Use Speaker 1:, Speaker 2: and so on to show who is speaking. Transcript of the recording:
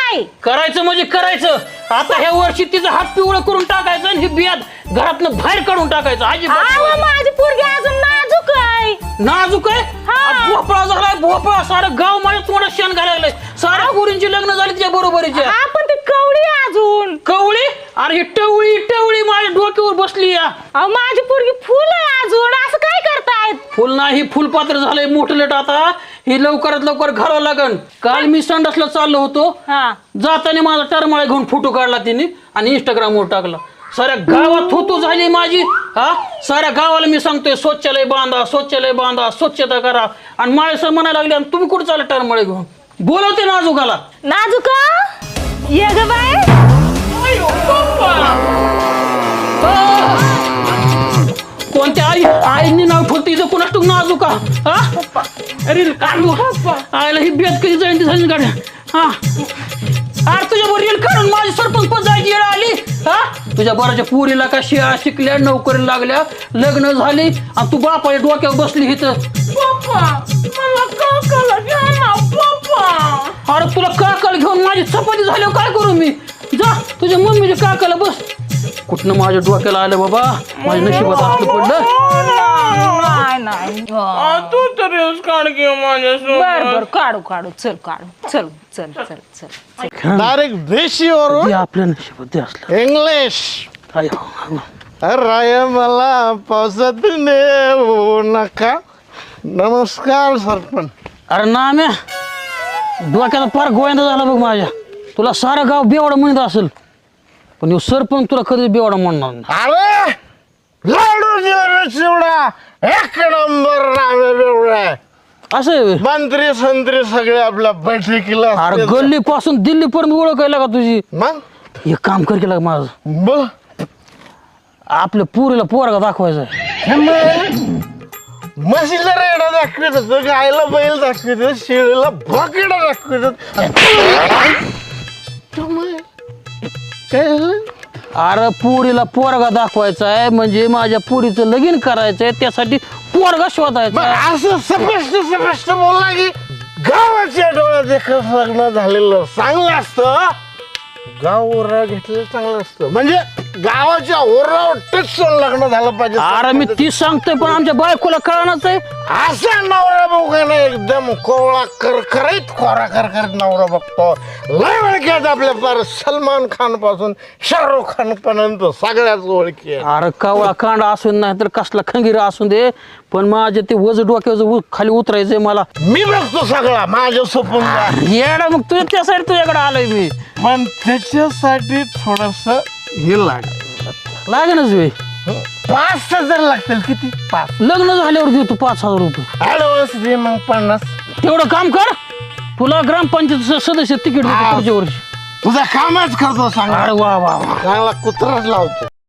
Speaker 1: नाही
Speaker 2: करायचं म्हणजे करायचं. आता ह्या वर्षी तिचा हात पिवळं करून टाकायचं आणि ही बियात घरातनं बाहेर काढून टाकायचं.
Speaker 1: अहो, माझी पोरगी अजून नाजूक आहे.
Speaker 2: नाजूक आहे. भोपळा झालाय भोपळा. सारं गाव माझ्या तोंडात शेण घालायला लागलंय. साऱ्या गुरींची लग्न झाली तिच्या बरोबरीच्या.
Speaker 1: आपण ती कवडी आहे अजून.
Speaker 2: कवळी अरे ही टवळी टवळी माझ्या डोक्यावर बसली या.
Speaker 1: अहो, माझी पोरगी फुल आहे अजून. असं काय करतायत?
Speaker 2: फुल नाही फुलपात्र झालंय मोठं लेट. आता ही लवकरात लवकर घालावं लागन. काल मी संडासला चाललो होतो. जाताना माझा टरमाळा घेऊन फोटो काढला तिने आणि इंस्टाग्रामवर टाकला. साऱ्या गावात थुतू झाली माझी. साऱ्या गावाला मी सांगतोय शौचालय बांधा शौचालय बांधा स्वच्छता करा. आणि माळे सर म्हणायला लागले आणि तुम्ही कुठे चालला टरमाळे घेऊन. बोलवते नाजूकाला.
Speaker 1: नाजूका ये ग बाय.
Speaker 2: कोणत्या आईने नाव ठेवते इथं कुणास टुक नाजूका. अरे आईला ही बेत कधी जाईन झाली गाड्या. अरे तुझ्या बरोबर रेल काढून माझी सरपंच पण जायची येळ आली. तुझ्या बराच्या पुरीला का शिळा शिकल्या नोकरी लागल्या लग्न झाली आणि तू बापाच्या डोक्यावर बसली इथं. अरे तुला काकाला घेऊन माझी चपाती झाल्यावर काय करू मी. जा तुझ्या मम्मीच्या काकाला बस. कुठनं माझ्या डोक्याला आलं बाबा. माझ्या नशिबात असलं पडलं.
Speaker 3: तू तर काढ घेऊ माझ्या.
Speaker 1: काढू काढू चल काढू चल चल चल चल.
Speaker 4: डायरेक्ट देशीवरून
Speaker 2: आपल्या नशिबात असलं.
Speaker 4: इंग्लिश. अरे मला पावसात नेऊ नका. नमस्कार सरपंच.
Speaker 2: अरे ना म्या डोक्याचा फार गोविंदा झाला बघ माझ्या. तुला सारं गाव बेवडा म्हणत असेल पण सरपंच तुला कधी बेवडा म्हणणार नाही.
Speaker 4: अरे लाडू चिवडा एक नंबर नावे बेवडा.
Speaker 2: असं आहे.
Speaker 4: मंत्री संत्री सगळे आपल्या बैठकीला.
Speaker 2: अरे गल्ली पासून दिल्ली पर्यंत ओळखायला का तुझी.
Speaker 4: मग
Speaker 2: एक काम कर केलं माझं.
Speaker 4: बोल.
Speaker 2: आपल्या पुरीला पोरगा दाखवायचा.
Speaker 4: म्हशीला रेडा दाखवित होतं गायला बैल दाखवित होतं शेळीला बकेडा दाखवित होतं. काय झालं.
Speaker 2: अरे पुरीला पोरगा दाखवायचा आहे म्हणजे माझ्या पुरीचं लगीन करायचंय त्यासाठी पोरगा शोधायचा.
Speaker 4: असं स्पष्ट बोलला की गावाच्या डोळ्यात एकच लग्न झालेलं चांगलं असतं. गाव ओरा घेतलेलं चांगलं असतं. म्हणजे गावाच्या ओरावर टच लग्न झालं पाहिजे.
Speaker 2: अरे मी तीच सांगतोय पण आमच्या बायकोला कळणारच आहे.
Speaker 4: असा नवरा बघायला एकदम कोवळा करकरीत खोरा करकरीत नवरा बघतो. लय ओळखी आपल्या पार सलमान खान पासून शाहरुख खान पर्यंत सगळ्याच ओळखी.
Speaker 2: अरे कावळा कांडा असून नाही तर कसला खंगीरा असून दे पण माझे ते वज डोक्याचं खाली उतरायचंय मला.
Speaker 4: मी बघतो सगळा माझ्या सोपून.
Speaker 2: येडा मग तुझ्या त्यासाठी तुझ्याकडे आलोय मी.
Speaker 4: पण त्याच्यासाठी थोडस हे
Speaker 2: लागेनच वे.
Speaker 4: 5,000 लागतील. किती. 5.
Speaker 2: लग्न झाल्यावर देतो 5,000 रुपये.
Speaker 4: ऍडव्हान्स दे मग 50.
Speaker 2: तेवढं काम कर. तुला ग्रामपंचायत सदस्य तिकीट देतो पुढच्या वर्षी.
Speaker 4: तुझा कामच करतो सांग.
Speaker 2: अरे वा वा वा.
Speaker 4: चांगला कुत्राच लावतो.